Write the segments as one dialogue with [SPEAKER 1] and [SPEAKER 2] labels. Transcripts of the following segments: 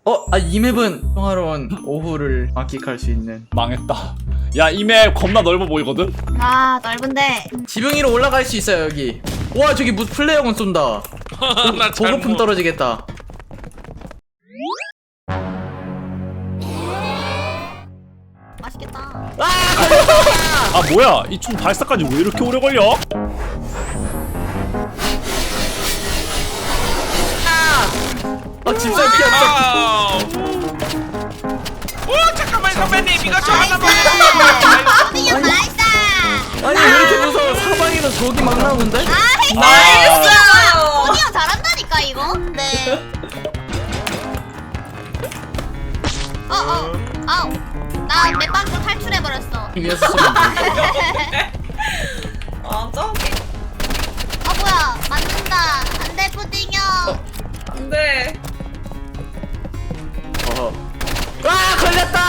[SPEAKER 1] 이 맵은 평화로운 오후를 만끽할 수 있는.
[SPEAKER 2] 망했다. 야, 이 맵 겁나 넓어 보이거든?
[SPEAKER 3] 아 넓은데.
[SPEAKER 1] 지붕 위로 올라갈 수 있어요 여기. 와 저기 무슨 플레이어건 쏜다.
[SPEAKER 4] 나
[SPEAKER 1] 보급품
[SPEAKER 4] 잘못.
[SPEAKER 1] 떨어지겠다.
[SPEAKER 3] 맛있겠다.
[SPEAKER 2] 아, 뭐야? 이 총 발사까지 왜 이렇게 오래 걸려?
[SPEAKER 1] 집살 피었어.
[SPEAKER 4] 아우. 오 잠깐만 선배님 이거 저 하나만.
[SPEAKER 3] 어디요 나이스.
[SPEAKER 1] 아니 왜 이렇게 무서워? 사방에는 적이 막 나오는데?
[SPEAKER 3] 나이스. 어디요 잘한다니까 이거. 네. 아우. 나 맵방으로 탈출해버렸어.
[SPEAKER 1] 위에서 쏘면
[SPEAKER 5] 아, 저게.
[SPEAKER 3] 뭐야 맞는다. 안돼 푸딩이요.
[SPEAKER 5] 근데
[SPEAKER 1] 와 걸렸다.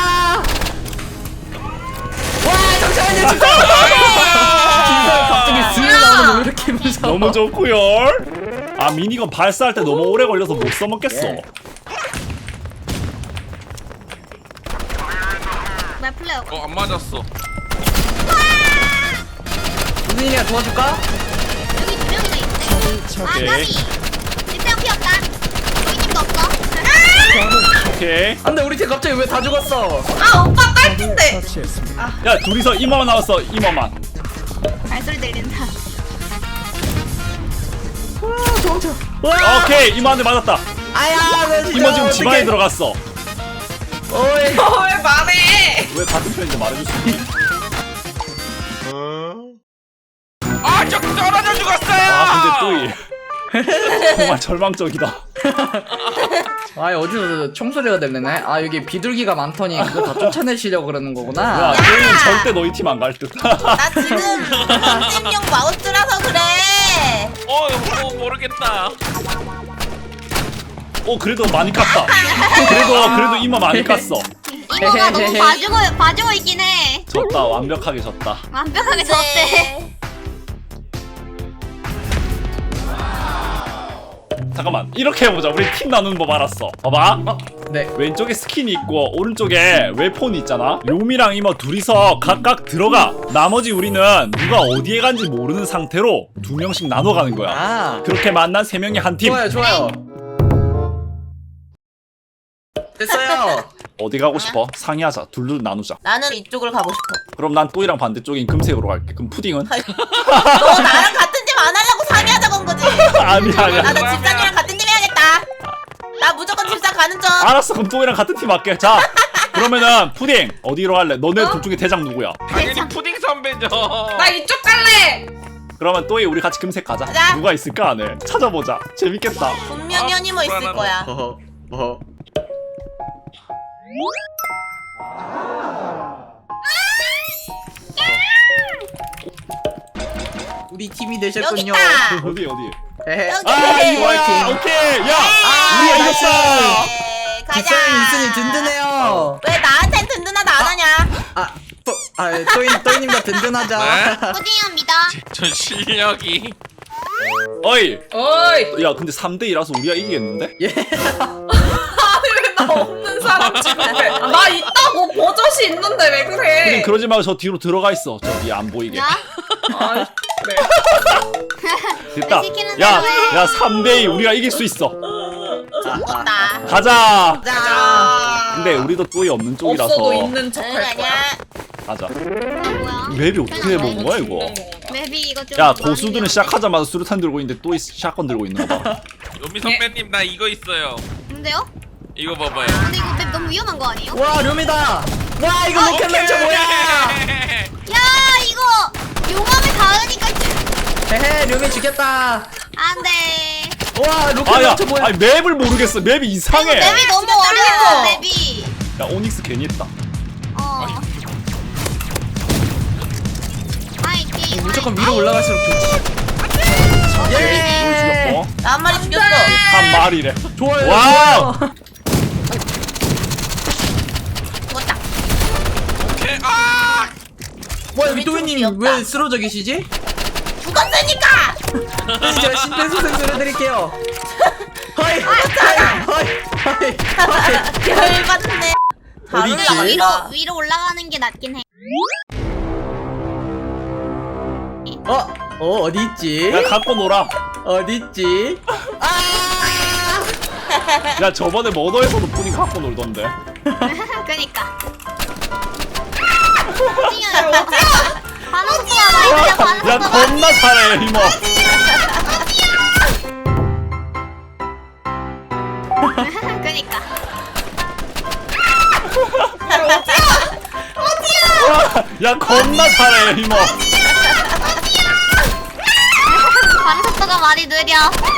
[SPEAKER 1] 와 잠시만요 진짜. 갑자기 슥 나오는 거 왜 이렇게 무서워?
[SPEAKER 2] 너무 좋구요. 아, 미니건 발사할 때 너무 오래 걸려서 못 써먹겠어.
[SPEAKER 1] 예.
[SPEAKER 3] 왜 플레이어?
[SPEAKER 4] 안 맞았어.
[SPEAKER 1] 우진이가 도와줄까?
[SPEAKER 3] 여기 두 명이나 있네. 아
[SPEAKER 2] 오케이.
[SPEAKER 3] 까비. 일대형 피었다. 여기님도 없어.
[SPEAKER 2] 오케이.
[SPEAKER 1] 안돼 우리 팀 갑자기 왜 다 죽었어?
[SPEAKER 5] 아 오빠 딸핀데.
[SPEAKER 2] 야, 둘이서 이모만 나왔어, 이모만.
[SPEAKER 3] 발소리 들린다.
[SPEAKER 1] 도망쳐. 와
[SPEAKER 2] 오케이, 이모한테 맞았다.
[SPEAKER 1] 아야 왜 진짜
[SPEAKER 2] 이모 지금 집안에
[SPEAKER 1] 어떡해.
[SPEAKER 2] 들어갔어.
[SPEAKER 1] 어이.
[SPEAKER 5] 왜 말해?
[SPEAKER 2] 왜 같은 편인지 말해줄 수 있니?
[SPEAKER 4] 저 떨어져 죽었어요.
[SPEAKER 2] 아, 근데 또이 정말 절망적이다.
[SPEAKER 1] 아 어디서 총소리가 들리네? 아 여기 비둘기가 많더니 그거 다 쫓아내시려고 그러는
[SPEAKER 2] 야,
[SPEAKER 1] 거구나.
[SPEAKER 2] 또이는 절대 너희 팀 안 갈 듯.
[SPEAKER 5] 나 지금 편집용 마우스라서 그래.
[SPEAKER 4] 모르겠다.
[SPEAKER 2] 그래도 많이 깠다. 그래도 이모 많이 깠어.
[SPEAKER 3] 이모가 너무 봐주고 있긴 해.
[SPEAKER 2] 졌다, 완벽하게 졌다.
[SPEAKER 3] 완벽하게 졌대.
[SPEAKER 2] 잠깐만, 이렇게 해보자. 우리 팀 나누는 법 알았어. 봐봐.
[SPEAKER 1] 네.
[SPEAKER 2] 왼쪽에 스킨이 있고 오른쪽에 웨폰이 있잖아. 료미랑 이모 둘이서 각각 들어가. 나머지 우리는 누가 어디에 간지 모르는 상태로 2명씩 나눠 가는 거야.
[SPEAKER 1] 아
[SPEAKER 2] 그렇게 만난 3명이 한 팀.
[SPEAKER 1] 좋아요. 됐어요.
[SPEAKER 2] 어디 가고 싶어? 상의하자. 둘둘 나누자.
[SPEAKER 5] 나는 이쪽을 가고 싶어.
[SPEAKER 2] 그럼 난 또이랑 반대쪽인 금색으로 갈게. 그럼 푸딩은?
[SPEAKER 5] 너 나랑 같은 팀 안 하려고 상의하자고 한 거지?
[SPEAKER 2] 아니야.
[SPEAKER 5] 나도 집사님이랑 같은 팀 해야겠다. 나 무조건 집사 가는 중.
[SPEAKER 2] 알았어. 그럼 또이랑 같은 팀 할게. 자, 그러면은 푸딩 어디로 갈래? 너네 둘 중에 대장 누구야?
[SPEAKER 4] 당연히 푸딩 선배죠.
[SPEAKER 5] 나 이쪽 갈래.
[SPEAKER 2] 그러면 또이 우리 같이 금색 가자.
[SPEAKER 5] 가자.
[SPEAKER 2] 누가 있을까 안에? 찾아보자. 재밌겠다.
[SPEAKER 5] 분명히 현이모 있을
[SPEAKER 4] 불안하다.
[SPEAKER 5] 거야.
[SPEAKER 1] 뭐 우리 팀이 되셨군요.
[SPEAKER 5] 여기 있다.
[SPEAKER 2] 어디?
[SPEAKER 1] 헤헤.
[SPEAKER 5] 여기.
[SPEAKER 2] 아, 이거야.
[SPEAKER 1] 화이팅.
[SPEAKER 2] 오케이. 야,
[SPEAKER 1] 아,
[SPEAKER 2] 우리가
[SPEAKER 1] 나이스.
[SPEAKER 2] 이겼어.
[SPEAKER 5] 가자.
[SPEAKER 1] 뒷사람이 있으니 든든해요.
[SPEAKER 5] 왜 나한텐 든든하다 안 하냐?
[SPEAKER 1] 또이님과 든든하자.
[SPEAKER 4] 네?
[SPEAKER 3] 푸딩입니다.
[SPEAKER 4] 전 실력이.
[SPEAKER 2] 어이.
[SPEAKER 5] 어이.
[SPEAKER 2] 야, 근데 3대2라서 우리가 이기겠는데?
[SPEAKER 5] 아니 왜 나 없는 사람 취급해? 나 있다고 버젓이 있는데 왜
[SPEAKER 2] 푸딩
[SPEAKER 5] 그래?
[SPEAKER 2] 그러지 말고 저 뒤로 들어가 있어. 저기 안 보이게.
[SPEAKER 3] 야?
[SPEAKER 5] 아, 그래.
[SPEAKER 2] 됐다.
[SPEAKER 3] 왜 시키는
[SPEAKER 2] 야,
[SPEAKER 3] 대로 해.
[SPEAKER 2] 야, 3대2 우리가 이길 수 있어.
[SPEAKER 5] 죽었다.
[SPEAKER 2] 가자.
[SPEAKER 5] 자.
[SPEAKER 2] 근데 우리도 또이 없는 쪽이라서.
[SPEAKER 5] 없어도 있는 척
[SPEAKER 3] 응,
[SPEAKER 5] 할 거야.
[SPEAKER 3] 아니야.
[SPEAKER 2] 가자.
[SPEAKER 3] 뭐야?
[SPEAKER 2] 맵이 어떻게 해본 거야 이거?
[SPEAKER 3] 맵이 이거 좀.
[SPEAKER 2] 야, 고수들은 시작하자마자 수류탄 들고 있는데 또이 샷건 들고 있는 거 봐.
[SPEAKER 4] 요미 선배님 나 이거 있어요.
[SPEAKER 3] 근데요?
[SPEAKER 4] 이거 봐봐요.
[SPEAKER 3] 근데 이거 맵 너무 위험한 거 아니에요?
[SPEAKER 1] 와 룸이다. 와 이거 로켓 런처 뭐야?
[SPEAKER 3] 야 이거 용암에 닿으니까
[SPEAKER 1] 헤헤 룸이 죽였다.
[SPEAKER 3] 안돼.
[SPEAKER 1] 와 로켓
[SPEAKER 2] 아야,
[SPEAKER 1] 런처 뭐야?
[SPEAKER 2] 아니 맵을 모르겠어. 맵이 이상해.
[SPEAKER 3] 맵이 너무
[SPEAKER 5] 진짜
[SPEAKER 3] 어려워
[SPEAKER 5] 떨리고.
[SPEAKER 3] 맵이.
[SPEAKER 2] 야, 오닉스 괜히 했다.
[SPEAKER 3] 화이팅.
[SPEAKER 1] 무조건 위로 올라갈수록 좋지.
[SPEAKER 2] 뭘
[SPEAKER 1] 예.
[SPEAKER 2] 죽였어?
[SPEAKER 5] 나 한 마리 죽였어.
[SPEAKER 2] 한 마리래.
[SPEAKER 1] 좋아요.
[SPEAKER 2] 와우.
[SPEAKER 1] 좋아요.
[SPEAKER 5] 죽었다.
[SPEAKER 4] 오케이. 아!
[SPEAKER 1] 뭐야 위도우님 왜 쓰러져 계시지?
[SPEAKER 5] 죽었으니까.
[SPEAKER 1] 제가 심폐소생술 해드릴게요. 하이 하이
[SPEAKER 5] 열받네. 다
[SPEAKER 1] 어디 있지?
[SPEAKER 5] 올라간다.
[SPEAKER 3] 위로 올라가는 게 낫긴 해.
[SPEAKER 1] 어디 있지?
[SPEAKER 2] 야 갖고 놀아.
[SPEAKER 1] 어디 있지?
[SPEAKER 2] 야 저번에 머더에서도 푸딩 갖고 놀던데.
[SPEAKER 3] 그니까. 반응 속도가 많이 느려. 반응
[SPEAKER 2] 야
[SPEAKER 3] 속도가.
[SPEAKER 2] 겁나 잘해 이모.
[SPEAKER 3] 그니까.
[SPEAKER 2] 야 겁나 잘해 이모.
[SPEAKER 3] 반응 속도가 많이 느려.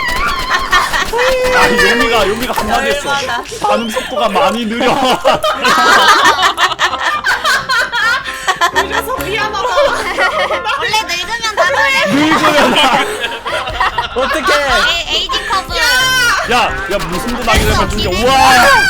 [SPEAKER 2] 아 요미가 한마디 했어.
[SPEAKER 5] 열받아.
[SPEAKER 2] 반응 속도가 많이 느려.
[SPEAKER 5] 그래서 미안하다.
[SPEAKER 3] 원래 늙으면 다 그래.
[SPEAKER 2] 늙으면
[SPEAKER 1] 어떡해?
[SPEAKER 3] 에이징 커브.
[SPEAKER 2] 야 무슨 도 나게 되면 중계.
[SPEAKER 3] 없긴 해.
[SPEAKER 2] 우와.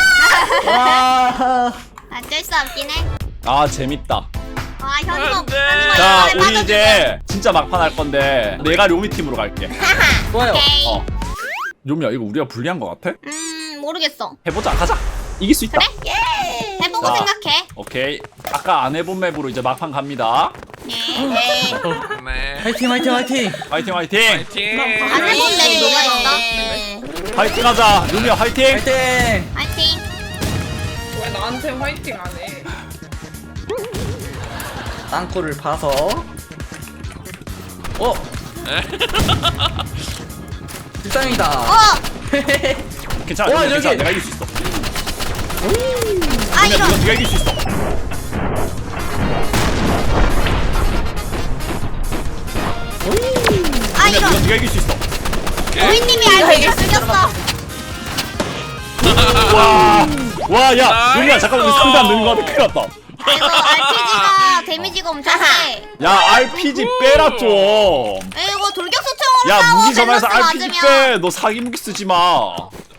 [SPEAKER 1] 와.
[SPEAKER 3] 어쩔 수 없긴 해.
[SPEAKER 2] 아 재밌다.
[SPEAKER 3] 와 현imo.
[SPEAKER 4] 안 돼.
[SPEAKER 2] 자 우리 이제 진짜 막판 할 건데 내가 료미 팀으로 갈게.
[SPEAKER 1] 좋아요.
[SPEAKER 3] 오케이.
[SPEAKER 2] 료미야 이거 우리가 불리한 거 같아?
[SPEAKER 3] 모르겠어.
[SPEAKER 2] 해보자 가자. 이길 수 있다.
[SPEAKER 3] 그래? 해보고
[SPEAKER 2] 자.
[SPEAKER 3] 생각해.
[SPEAKER 2] 오케이. 아까 안 해본 맵으로 이제 막판 갑니다.
[SPEAKER 3] 예.
[SPEAKER 4] 네.
[SPEAKER 1] 화이팅 화이팅 화이팅.
[SPEAKER 2] 화이팅 화이팅.
[SPEAKER 4] 파이팅.
[SPEAKER 3] 안 해본 맵이 뭐가 있어?
[SPEAKER 2] 화이팅 하자. 료미야 화이팅.
[SPEAKER 1] 화이팅.
[SPEAKER 3] 파이팅.
[SPEAKER 5] 왜 나한테 화이팅 안 해?
[SPEAKER 1] 땅굴을 파서. 불쌍이다.
[SPEAKER 2] 괜찮아.
[SPEAKER 1] 와,
[SPEAKER 2] 료미야, 괜찮아.
[SPEAKER 1] 여기.
[SPEAKER 2] 내가 이길 수 있어.
[SPEAKER 3] 아
[SPEAKER 2] 료미야
[SPEAKER 3] 이런.
[SPEAKER 2] 네가 이길 수 있어.
[SPEAKER 3] 아
[SPEAKER 2] 료미야
[SPEAKER 3] 이런.
[SPEAKER 2] 네가 이길 수 있어.
[SPEAKER 3] 노인님이 알고 죽였어.
[SPEAKER 2] 와, 야, 료미야 잠깐만 우리 상대 안 되는 거 같아. 큰일 났다.
[SPEAKER 3] 이거 RPG가 데미지가 엄청 세.
[SPEAKER 2] 야, RPG 빼라 좀.
[SPEAKER 3] 이거 돌격소총으로
[SPEAKER 2] 야,
[SPEAKER 3] 싸워.
[SPEAKER 2] 무기 전화해서
[SPEAKER 3] 밸런스
[SPEAKER 2] RPG
[SPEAKER 3] 맞으면.
[SPEAKER 2] 빼. 너 사기 무기 쓰지 마.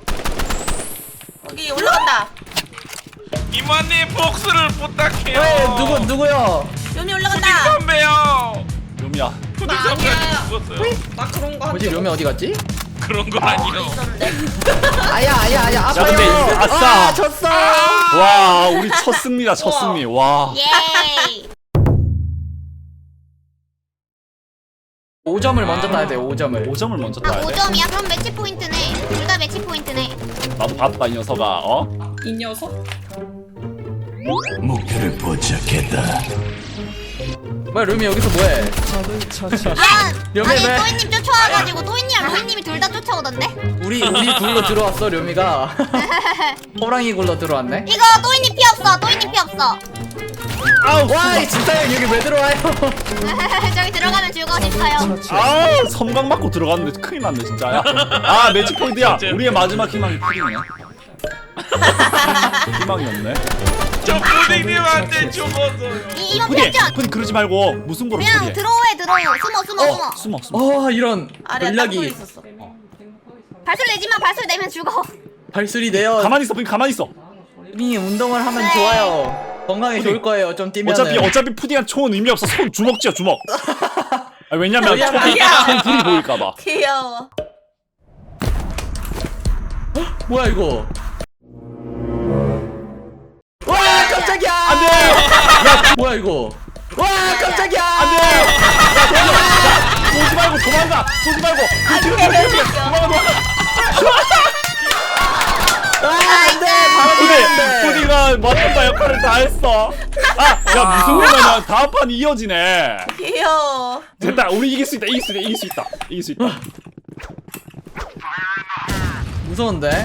[SPEAKER 5] 여기 올라간다.
[SPEAKER 4] 이모님 복수를 부탁해요.
[SPEAKER 1] 왜 누구요?
[SPEAKER 5] 요미
[SPEAKER 4] 푸딩
[SPEAKER 5] 올라간다.
[SPEAKER 4] 선배요.
[SPEAKER 2] 료미야.
[SPEAKER 4] 푸딩
[SPEAKER 5] 나
[SPEAKER 4] 선배
[SPEAKER 5] 아니야.
[SPEAKER 4] 죽었어요.
[SPEAKER 5] 나 그런 거
[SPEAKER 1] 뭐지 료미 어디 갔지?
[SPEAKER 4] 그런 건 아니요.
[SPEAKER 5] 있었는데.
[SPEAKER 1] 아야 아파요.
[SPEAKER 2] 근데 이거 아싸.
[SPEAKER 1] 졌어.
[SPEAKER 2] 와, 우리 첫 승리다. 첫
[SPEAKER 5] 우와.
[SPEAKER 2] 승리. 와.
[SPEAKER 3] 예이.
[SPEAKER 1] 5점을 먼저 따야 돼. 5점을.
[SPEAKER 2] 5점을 먼저
[SPEAKER 3] 아
[SPEAKER 2] 따야 돼.
[SPEAKER 3] 5점이야? 그럼 매치 포인트네. 둘 다 매치 포인트네.
[SPEAKER 2] 나도 봤다 이 녀석아. 어?
[SPEAKER 5] 이 녀석?
[SPEAKER 6] 목표를 포착했다.
[SPEAKER 1] 뭐야 료미 여기서 뭐해?
[SPEAKER 3] 아,
[SPEAKER 1] 여기
[SPEAKER 3] 아니
[SPEAKER 1] 왜?
[SPEAKER 3] 또이님 쫓아와가지고 또이님이랑 로이님이 둘 다 쫓아오던데?
[SPEAKER 1] 우리 굴로 들어왔어 료미가. 호랑이 굴로 들어왔네.
[SPEAKER 3] 이거 또이님 피 없어. 또이님 피 없어.
[SPEAKER 1] 와, 이 진짜요 여기 왜 들어와요?
[SPEAKER 3] 저기 들어가면 죽어 싶어요.
[SPEAKER 2] 아, 섬광 맞고 들어갔는데 큰일 났네 진짜. 야. 아, 매치 포인트야. 우리의 마지막 희망이 푸딩이네. 희망이 없네.
[SPEAKER 4] 저 푸딩님한테 죽었어요.
[SPEAKER 3] 이번
[SPEAKER 2] 푸딩,
[SPEAKER 3] 편전
[SPEAKER 2] 푸딩 그러지 말고 무슨 거로
[SPEAKER 3] 그냥
[SPEAKER 2] 처리해.
[SPEAKER 3] 들어오해 들어오. 숨어.
[SPEAKER 2] 숨어.
[SPEAKER 1] 이런
[SPEAKER 5] 아래 땅굴
[SPEAKER 1] 전략이
[SPEAKER 5] 있었어.
[SPEAKER 3] 발소리 내지마. 발소리 내면 죽어.
[SPEAKER 1] 발소리 내요.
[SPEAKER 2] 가만히 있어, 푸딩 가만히 있어.
[SPEAKER 1] 푸딩이 운동을 하면
[SPEAKER 3] 네.
[SPEAKER 1] 좋아요. 건강에
[SPEAKER 2] 푸딩.
[SPEAKER 1] 좋을 거예요. 좀 뛰면.
[SPEAKER 2] 어차피 푸딩한 총은 의미 없어. 손 주먹 쥐어 주먹. 아, 왜냐면
[SPEAKER 1] 뭐야,
[SPEAKER 2] 총 불이 보일까봐.
[SPEAKER 5] 귀여워.
[SPEAKER 1] 뭐야 이거? 와 깜짝이야!
[SPEAKER 2] 안돼.
[SPEAKER 1] 뭐야 이거? 와 깜짝이야!
[SPEAKER 2] 안돼. 쏘지 말고 도망가. 쏘지 말고. 도망가.
[SPEAKER 1] 안돼 바로
[SPEAKER 2] 푸딩,
[SPEAKER 1] 뛰었는데.
[SPEAKER 2] 푸딩아 맡았다 역할을 다 했어. 아, 야 무슨 거냐면 다음 판 이어지네.
[SPEAKER 5] 귀여워.
[SPEAKER 2] 됐다. 우리 이길 수 있다. 이길 수 있다.
[SPEAKER 1] 무서운데?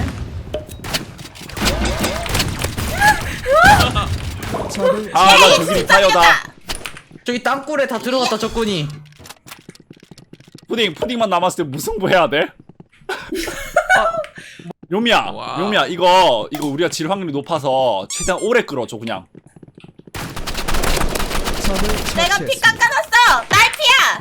[SPEAKER 2] 아, 나 저기 리타이어다.
[SPEAKER 1] 저기 땅굴에 다 들어갔다 적군이.
[SPEAKER 2] 푸딩만 남았을 때 무승부 해야 돼? 요미야,
[SPEAKER 4] 와.
[SPEAKER 2] 요미야, 이거 우리가 질 확률이 높아서 최대한 오래 끌어줘 그냥.
[SPEAKER 5] 내가 피 깎아놨어. 딸피야.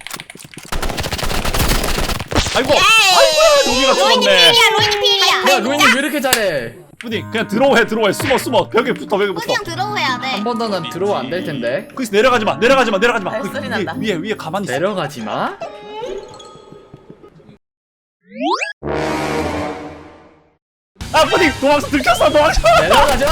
[SPEAKER 2] 아이고, 아이고야, 요미가
[SPEAKER 3] 로이님
[SPEAKER 2] 죽었네.
[SPEAKER 3] 필이야. 로이님 필이야.
[SPEAKER 1] 야 로이님 왜 이렇게 잘해?
[SPEAKER 2] 푸딩 그냥 들어오해, 숨어, 벽에 붙어.
[SPEAKER 3] 그냥 들어오해야 돼.
[SPEAKER 1] 한 번 더는 들어와 안 될 텐데.
[SPEAKER 2] 거기서 내려가지 마.
[SPEAKER 5] 발소리 난다.
[SPEAKER 2] 위에 가만히 있어.
[SPEAKER 1] 내려가지 마.
[SPEAKER 2] 아 푸딩 도망쳐 들켰어 도망쳐.
[SPEAKER 1] 내려가자.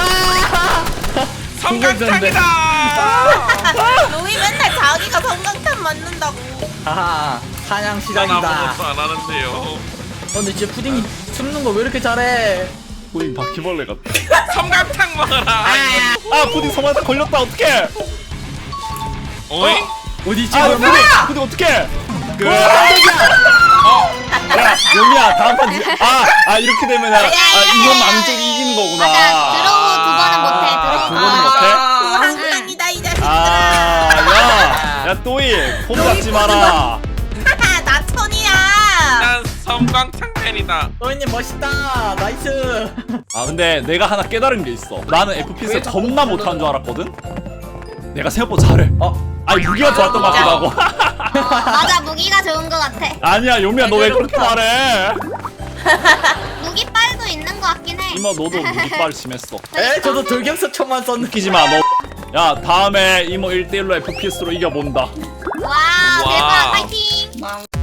[SPEAKER 4] 성강탕이다.
[SPEAKER 3] 로이 맨날 자기가 성강탄 맞는다고.
[SPEAKER 1] 하하 사냥
[SPEAKER 4] 난
[SPEAKER 1] 시작이다.
[SPEAKER 4] 아무것도 안 하는데요.
[SPEAKER 1] 근데 진짜 푸딩이 숨는 거 왜 이렇게 잘해?
[SPEAKER 2] 푸딩 바퀴벌레 같아.
[SPEAKER 4] 성강탕 먹어라.
[SPEAKER 2] 아 푸딩 성한테 걸렸다 어떡해.
[SPEAKER 4] 어이?
[SPEAKER 1] 어디 있지?
[SPEAKER 2] 아
[SPEAKER 1] 그러면?
[SPEAKER 2] 푸딩 어떡해. 야 용이야 다음 판 이렇게 되면 이건 많은 쪽이 이기는 거구나.
[SPEAKER 3] 맞아. 드로우 두 번은 못해. 드로우
[SPEAKER 2] 두 번은 못해?
[SPEAKER 3] 한판이다 이 자식들아.
[SPEAKER 2] 야 또이 폼 잡지 마라.
[SPEAKER 3] 나 천이야.
[SPEAKER 4] 난 성강탕 팬이다.
[SPEAKER 1] 너희님 멋있다. 나이스.
[SPEAKER 2] 아 근데 내가 하나 깨달은 게 있어. 나는 FPS 겁나 못하는 줄 알았거든. 내가 생각보다 잘해. 아니 무기가 좋았던 것 같기도 하고.
[SPEAKER 3] 맞아 무기가 좋은 거 같아.
[SPEAKER 2] 아니야 요미야 너 왜 그렇게 말해?
[SPEAKER 3] 무기빨도 있는 거 같긴 해.
[SPEAKER 2] 이모 너도 무기빨 심했어.
[SPEAKER 1] 에 저도 돌격서총만 썼는데.
[SPEAKER 2] 웃기지 마 너. 야 다음에 이모 1대1로 FPS로 이겨본다.
[SPEAKER 3] 와 대박
[SPEAKER 4] 와우.
[SPEAKER 3] 파이팅.